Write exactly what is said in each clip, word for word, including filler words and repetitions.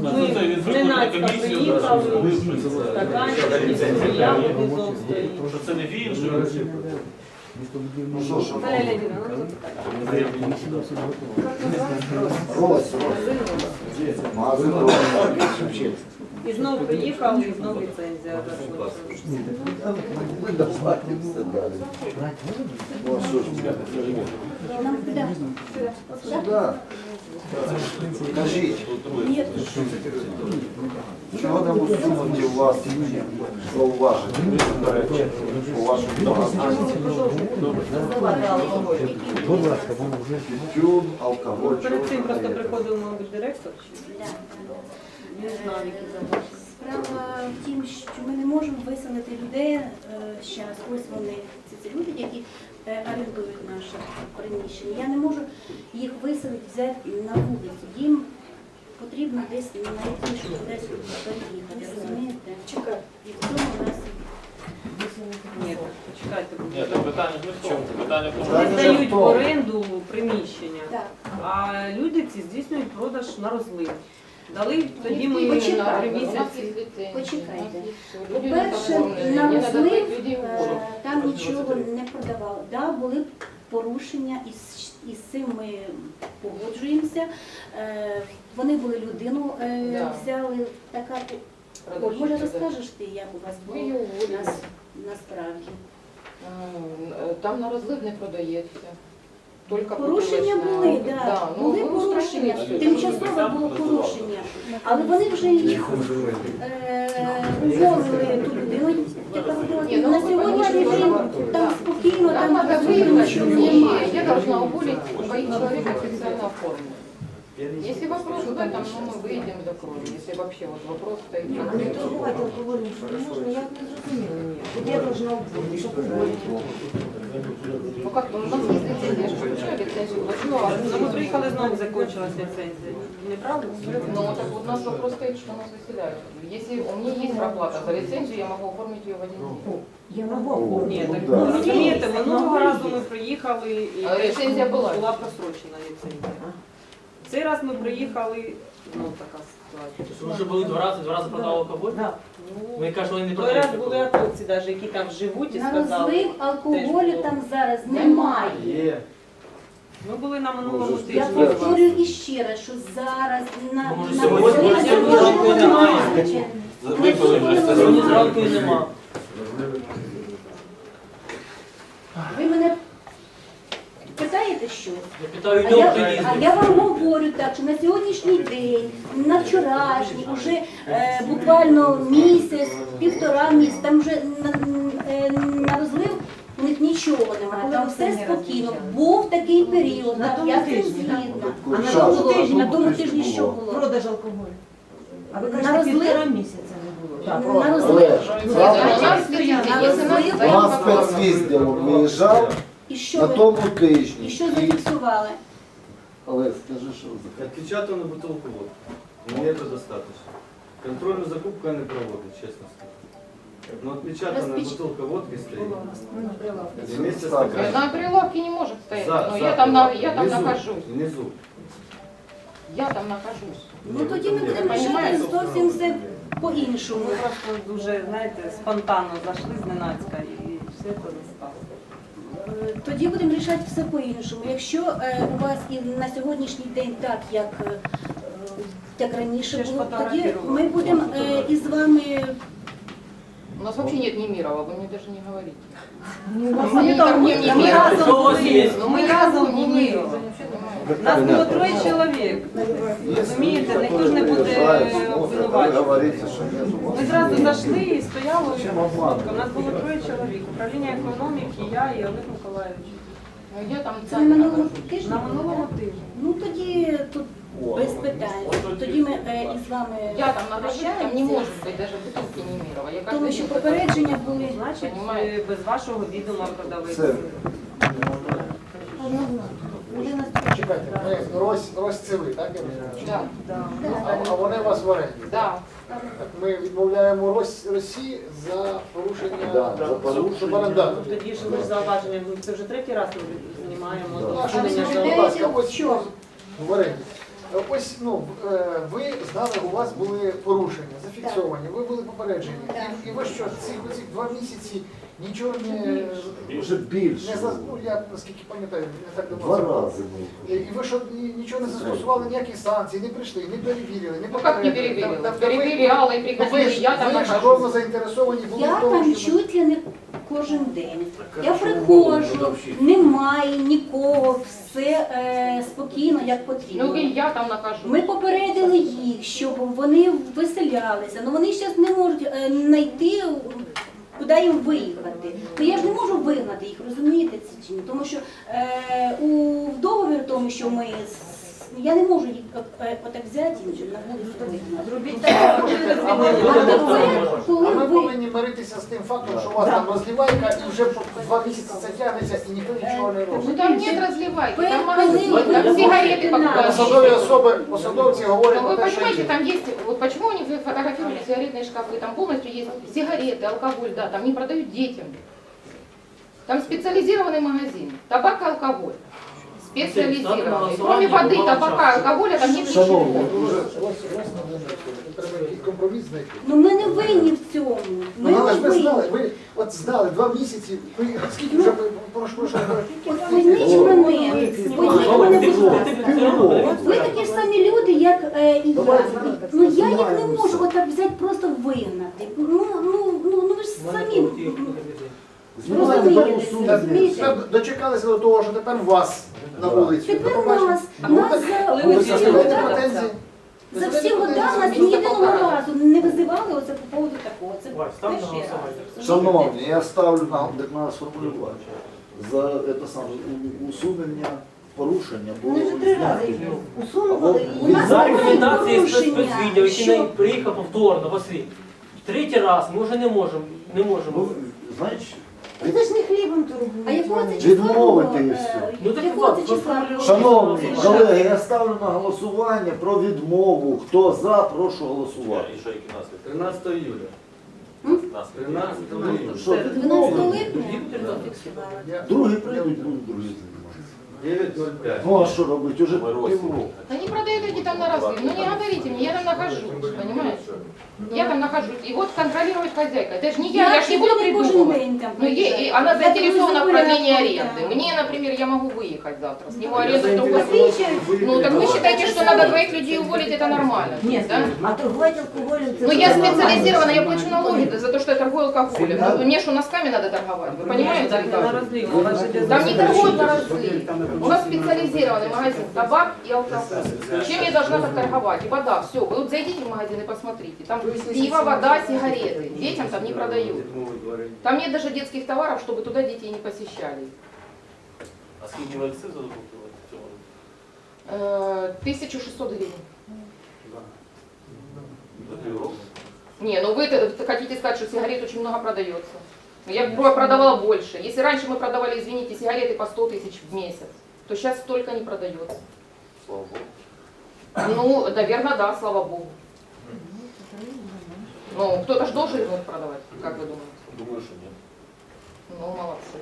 Ми зненацька приїхали, стаканчики, заяви візов стоїть. Що це не він, що Ну що ж, Наталя Леонідовна, ну це Рось, магазин Рось. І знов приїхав, і знов ліцензія. Ми доплатимося далі. Ну а що ж, сюди. Кажіть, чого не усунуті у вас зауваження, заперечення у вашому магазині? Тютюн, алкоголь. Перед цим просто приходив, мабуть, директор. Не знаю, які заводи. Справа в тім, що ми не можемо виселити людей зараз. Ось вони, це ці люди, які е, орендують наше приміщення. Я не можу їх виселити, взяти на вулицю. Їм потрібно десь знайти, щоб десь переїхати. Розумієте? Чекай. І в цьому у нас Ні, почекайте. Ні, це питання ж не в чому. Питання в тому, Вони Питання здають в в тому. оренду приміщення, так. а люди ці здійснюють продаж на розлив. Дали тоді ми Почекайте. на три місяці. Почекайте. По-перше, на розлив е, там нічого не продавали. Да, були порушення, і з, і з цим ми погоджуємося. Е, Вони були людину, е, Да. взяли така. Оль, може розкажеш ти, як у вас Ми було її уволили. нас, насправді? Е, Там на розлив не продається. Тільки Порушення бутилочна. були, да. Да, ну, були ви порушення, устранили. тимчасове було порушення. Але вони вже їх е, уволили ту людину, яка робила. Ні, ну, На ви сьогоднішній розумієте, день там спокійно, Там там надо розлив, выявить, нічого что немає. я должна уволить двоих человек официально оформить. Если вопрос в этом, ну, мы выйдем, закроем. Если вообще вот вопрос стоит. А не торгувати алкоголем, що не можна, я не зрозуміла. Ні. Я должна уволити, щоб уволити. Ну как, ну, у нас есть лицензия, я же включаю лицензию, плачу, а Ну, ми приїхали, знову закінчилась ліцензія. Неправда? ну так вот у нас вопрос стоит, что нас выселяют. Если у меня есть проплата за лицензию, я могу оформить ее в один день. Я можу оформити. Ні, так да. ну, розумієте, минулого разу ми приїхали і А ліцензія була? була просрочена ліцензія. Цей раз ми приїхали, ну така ситуація. Ми вже були два рази, два рази продали алкоголь. Да. Ну, Ми кажуть, вони не той раз продають. були атовці, навіть, які там живуть і На сказали. розлив алкоголю теж там зараз немає. Ми були на минулому Може, тижні. Я у вас. повторюю іще раз, що зараз на, Може, на сьогодні розлив сьогодні алкоголю немає. немає. випили вже це. Сьогодні зранку і нема. Ви мене питаєте щось? Я питаю, А йдемо я, хто а їздить. я вам говорю так, що на сьогоднішній день, на вчорашній, вже е, буквально місяць, півтора місяця, там вже на, е, на розлив у них нічого немає, там все спокійно. Був такий період, На так, тому я з цим тижні, так? згідна. А на Що тому було? тижні, На тому тижні що було? Продаж алкоголю. А ви На кажете, розлив? півтора місяця не було. На розлив. Але У нас лицензия, На если нас розлив. у стоит нас вопрос. спецвідділок виїжджав І що на ви, тому і тижні. що зафіксували? Але скажи, що за Отпечатанную бутылку водки. Мне это достаточно. Контрольную закупку я не проводить, честно скажу. Но отпечатанная Распеч- бутылка водки стоит. Ну, прилавки. Вместе с Так. стаканом. На прилавке не может стоять, За- но за я там, на, прилавком. я там Внизу, нахожусь. Внизу. Я там нахожусь. Ну тоді ми будемо рішати Понимаете? зовсім все по-іншому. Ми просто дуже, знаєте, спонтанно зайшли зненацька і все це застало. Е, Тоді будемо рішати все по-іншому. Якщо е, у вас і на сьогоднішній день так, як, е, як раніше Ще ж було, тоді фотографувала. ми будемо е, із вами. У нас вообще нет Немирова, вы мне даже не говорите. Ми, Они там, ко мне ми, не ми меряют. разом Що у вас були, є? ну, ми разом були. Нас було троє чоловік. Розумієте, Розумієте, ніхто ж не буде Ви обвинувачувати. говорите, що не Ми зразу зайшли і стояли фотка. У нас було троє чоловік. Управління економіки, я і Олег Миколаївич. Ну, я там Це на сами минулому нахожусь. тижні? На минулому тижні. Ну тоді тут без питань. Тоді ми е, із вами Я там нахожусь, там не прощаємося. может быть даже бутылки Немирова. Я каждый Тому що день попередження були. Значить, Понимаете? е, без вашого відома продавець. Це. Людина Чекайте, ми Рось, Рось це ви, так? я розумію? Да, Да. А, а вони у вас в оренді? да. Так ми відмовляємо Рось, Росії за порушення Да, за порушення. суборендару. Ну, тоді ж ми ж зауваження, ну, це вже третій раз ми знімаємо Да. з А що ви усунення скажіть, будь жалоб. ласка, ось Що? в оренді. ось ну е, ви знали, у вас були порушення, зафіксовані, ви були попереджені. Так. І, і ви що, ці, ці два місяці нічого не, Вже більше. не за- ну, я наскільки пам'ятаю, не так Два давно. рази ми. І і ви що ні- нічого не застосували, ніяких санкцій, не прийшли, не перевірили, не Ну как не попередили. перевірили? Та- та ви- Перевіряла і Ви приходили, ж, я там ви ж нахожусь. кровно заінтересовані були Я в тому, там що... чуть ли не кожен день. Я приходжу, немає нікого, все е, спокійно, як Ну потрібно. и я там нахожусь. Ми попередили їх, щоб вони виселялися, але вони зараз не можуть е, знайти, куди їм виїхати. Ну я ж не можу вигнати їх, розумієте це чи ні? Тому що е, у в договір тому, що ми з- я не можу їх е, е, отак взяти і на вулицю вигнати. Зробіть так, А ми, А тепер, а коли ми ви повинні миритися з тим фактом, що у вас там розливайка і вже по два місяці це тягнеться і ніхто нічого не робить. Ну там нет разливайки, там Вы- магазин, вы- там вы- сигареты вы- покупают. Посадові особи, посадовці говорять Но про вы те, що понимаете, є. там есть, вот почему они фотографируют сигаретные шкафы, там полностью есть сигареты, алкоголь, да, там не продают детям. Там специализированный магазин, табак и алкоголь. Специализированный. Кроме воды, табака, алкоголя там нет ничего. Шановні, Треба якийсь компроміс знайти. ну ми не винні в цьому. Ми Ну, але не ж ви знали, винні. ви от знали два місяці, ви скільки вже прошу, прошу, От позніть мене, позніть мене, будь ласка. От ви такі ж самі люди, як е, і я. Ну я їх не можу отак взяти, просто вигнати. Ну, ну, ну, ну ви ж самі знімаємо розумієте, суд. розумієте? Тепер дочекалися до того, що тепер вас на вулиці. Тепер Побачите. нас, Ну, нас так, за, ви за всі заставляєте года, претензії? за всі года нас ні єдиного разу не визивали оце по поводу такого. Це Вась, став на перший раз. голосування. Шановні, я ставлю нам так надо сформулювати. За це саме у- усунення порушення було Вони вже три рази зняти. їх усунули. У нас За немає рекомендацією порушення, спецвідділу, який що- не приїхав повторно, Василь. Третій раз ми вже не можемо. Не можемо. Ну, знаєш, Це ж не хлібом торгують. А якого це числа? Відмовити було? і все. Е, Ну, так Якого от, це числа? постановлю. шановні колеги, я ставлю на голосування про відмову. Хто за, прошу голосувати. І що, які наслідки? тринадцатого июля. Наслідки. тринадцатого июля. Що, дванадцятого липня? Я- другі прийдуть, будуть другі займатися. девять ноль пять. Ну а що робити? Уже Ми розділ. півроку. Они продают эти там на разлив. Ну не говорите мне, я там нахожусь, понимаете? Я там нахожусь. И вот контролировать хозяйка. Это же не я, я ж не буду сьогодні кожен придумывать. день там Ну, е- приїжджаю. и она Я заинтересована в дуже продлении загуляю, аренды. так. Мне, например, я могу выехать завтра, сниму Я аренду в другой заинтересован, Ну, выехать так вы завтра. считаете, что надо двоих людей уволить, это нормально? Ні, да? а торгувати алкоголем це Ну, ж я нормально. специализирована, я плачу налоги за то, что я торгую алкоголем. Ну, мне что, носками надо торговать? Вы понимаете? Так, не на ребята? розлив, у вас же йде Там не за- торгуют на разлив. У нас специализированный магазин табак и алкоголь. Чем я должна так торговать? И вода, все. Вы вот зайдите в магазин и посмотрите. Там пиво, вода, сигареты. Детям там не продают. Там нет даже детских товаров, чтобы туда детей не посещали. А скільки ви акцизу закупили в цьому? Э, тысяча шестьсот гривен. За півроку? Не, ну вы хотите сказать, что сигарет очень много продается. Я про- продавала больше. Если раньше мы продавали, извините, сигареты по сто тысяч в месяц, то сейчас столько не продается. Слава Богу. Ну, наверное, да, слава богу. Ну, кто-то же должен их продавать, как вы думаете? Думаю, що ні. Ну, молодцы.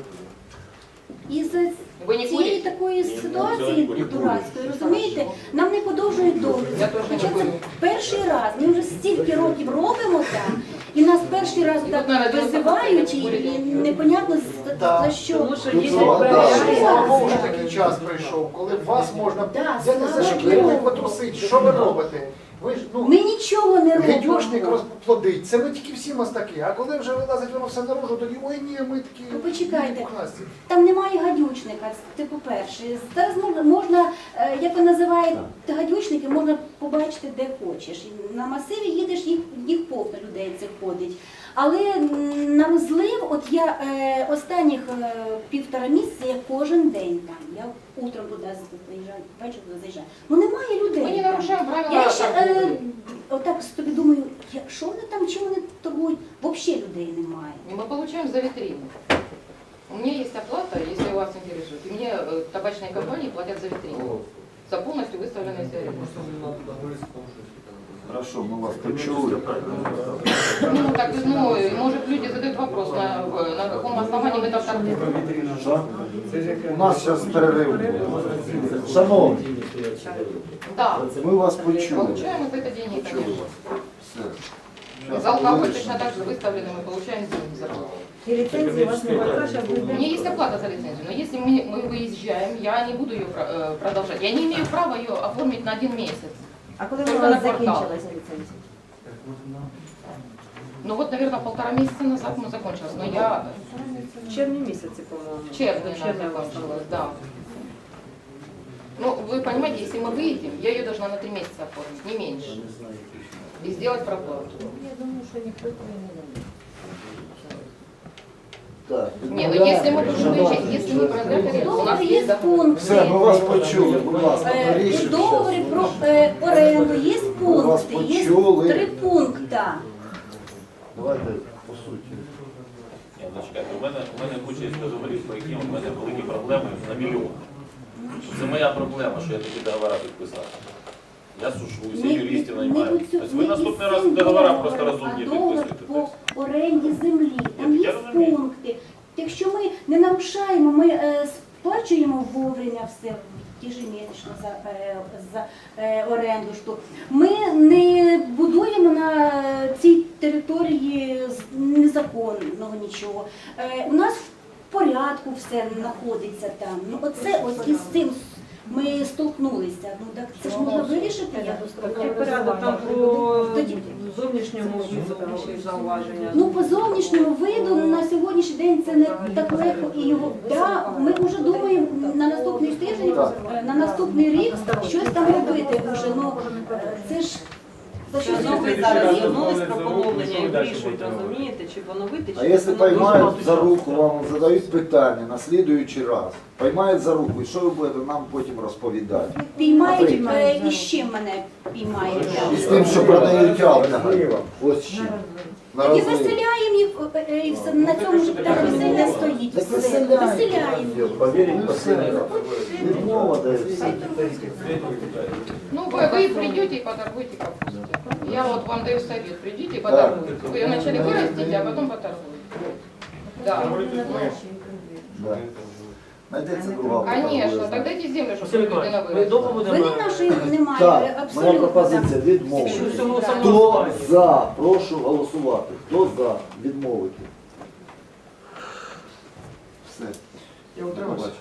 І за Вы не цієї курите? такої Ні, ситуації не курю. дурацької, розумієте, нам не подовжують договір. Я теж не Хоча це курю. перший раз, ми вже стільки років робимо там, і нас перший раз І так тут, наверное, визивають, і, девяносто і непонятно за, Да. за що. Тому що Ну, є це вода. Слава Богу, Да. що такий час прийшов, коли вас можна Да, взяти за слава шкіру Богу. і потрусити. Що ви робите? Ви ж, ну, Ми нічого не гидюшник робимо. розплодить. Це ми тільки всі мастаки. А коли вже вилазить воно все наружу, тоді ой ні, ми такі. Ну, почекайте. пухнасті. Там немає гадючника, це по-перше. Зараз можна, можна, е, як ви називаєте гадючники, можна побачити де хочеш. І на масиві їдеш, їх, їх повно людей це ходить. Але м, на розлив, от я е, останніх е, півтора місяця я кожен день там. Я утром туди заїжджаю, ввечері туди заїжджаю. Ну немає людей. Мы не там. нарушаем правила Я ще е, торговли. отак собі думаю, я- що вони там, чим вони торгують? Взагалі людей немає. И мы получаем за витрину. У меня есть оплата, если вас интересует. И мне э, табачные компании платят за витрину. За полностью выставленные сигареты. Хорошо, ми вас почули. Ну, так, ну, может, люди задают вопрос, на, в- на каком основании мы так торгуем. Що? У нас зараз перерив. Шановні, Да. ми вас почули. Получаем мы за это деньги, конечно. Все. За Щас, алкоголь хвилиночку. точно так же выставлены, мы получаем деньги за алкоголь. И лицензии у вас не хватает, сейчас У будет. меня есть оплата за лицензию, но если мы, мы выезжаем, я не буду ее про- э, продолжать. Я не имею права ее оформить на один месяц. А коли Только у вас на квартал. закінчилася ліцензія? Ну вот, наверное, полтора месяца назад мы закончилась, но я В червні місяці, по-моєму. в червне В червні она закончилась, да. Ну, вы понимаете, если мы выедем, я ее должна на три месяца оформить, не меньше. И сделать проплату. Я думаю, що ніхто цього не робить. Так, Не, ну если мы будем выезжать, если мы проехали, у нас Договор есть є договор. пункти. все, ми вас почули, будь ласка, Е, У рішення. договорі про е, оренду є вас пункти, є почули. три пункти. Давайте по суті. Ні, ну чекайте, у мене, у мене куча є договорів, по яким у мене великі проблеми на мільйон. Це моя проблема, що я такі договори підписав. Я сушуюся, Не- юристів не наймаю. у цю- Тобто ви не наступний із раз цим договори договором, просто розумні а договор підписуєте. по оренді землі. Там Я є розумію. пункти. Якщо ми не нарушаємо, ми е, сплачуємо вовремя все ежемісячно за, е, за е, оренду. Що ми не будуємо на цій території з- незаконного нічого. Е, у нас в порядку все знаходиться там. Ну оце ось із цим ми столкнулися. Ну так це ж можна вирішити якось. Який порядок там по зовнішньому візу зауваження? Ну, по зовнішньому виду на сьогоднішній день це не так легко і його. Да, ми вже думаємо на наступний тиждень, е, на наступний рік щось там робити вже. Ну е, це ж за щось Ну, ви робити. зараз звернулись про поновлення і вирішують, розумієте, чи поновити, чи А якщо поновити. поймають за руку, вам задають питання на слідуючий раз. Поймають за руку, і що ви будете нам потім розповідати? Піймають е, і з чим мене піймають. І з тим, що продають алкоголь. Ось з чим. На Тоді розлив. виселяємо їх е, е, і все на цьому ж так весілля стоїть. Так Все. виселяємо. Виселяємо. Повірить, все. Відмова дає все. Ну, вы, вы придете и поторгуйте капустой. Я вот вам даю совет, придите и поторгуйте. Вы ее вначале вырастите, а потом поторгуйте. Да. Да. Знайдеться друга. Конечно, проблема. тогда эти земли, чтобы Василь людина Миколаївич, ми вырастила. довго будемо... Вони нашої немає. Так, е, моя абсолютно. пропозиція відмовити. Якщо всього Хто самого за? Прошу голосувати. Хто за? Відмовити. Все. Я утримався.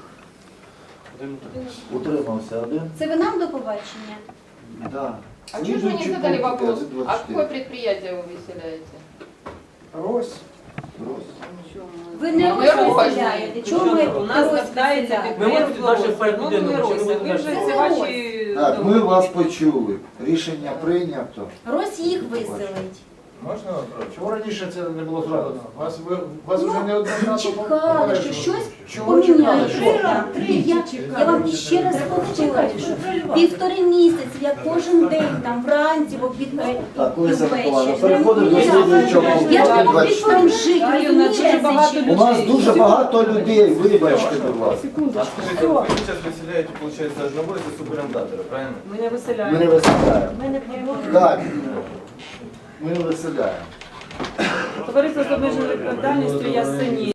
Утримався один. Це ви нам до побачення? Да. А чего же вы не задали вопрос, а какое предприятие вы выселяете? Рось. Ви не Ну, ви розселяєте. Чому ми У нас Рось складається виселяємо? Ми можемо підприємство далі перейти, «Розсіб». Ну, ми не можемо «Розсіб». Ви далі. вже Це ці ваші... Так, ми вас почули. Рішення прийнято. Рось їх виселить. Можна вопрос? Чому раніше це не було зроблено? Вас, ви, вас Ну, вже не однозначно Чекали, що щось Чому чекали? поміняється. Я, я вам ще раз повторюю, що півтори місяці, я кожен день там вранці, в обід е, Так, і Лариса ввечері. Миколаївна, переходимо до слідуючого пункту. Я ж не можу двадцять там чотири. жити, Галина, дуже багато розумієте? У нас дуже багато людей, вибачте, будь ласка. Скажите, вы сейчас выселяете, получается, одного из субарендатора, правильно? Ми не Ми виселяємо. не виселяємо. Ми не продовжуємо. Так, ми не виселяємо. Товариство з обмеженою відповідальністю Ясені.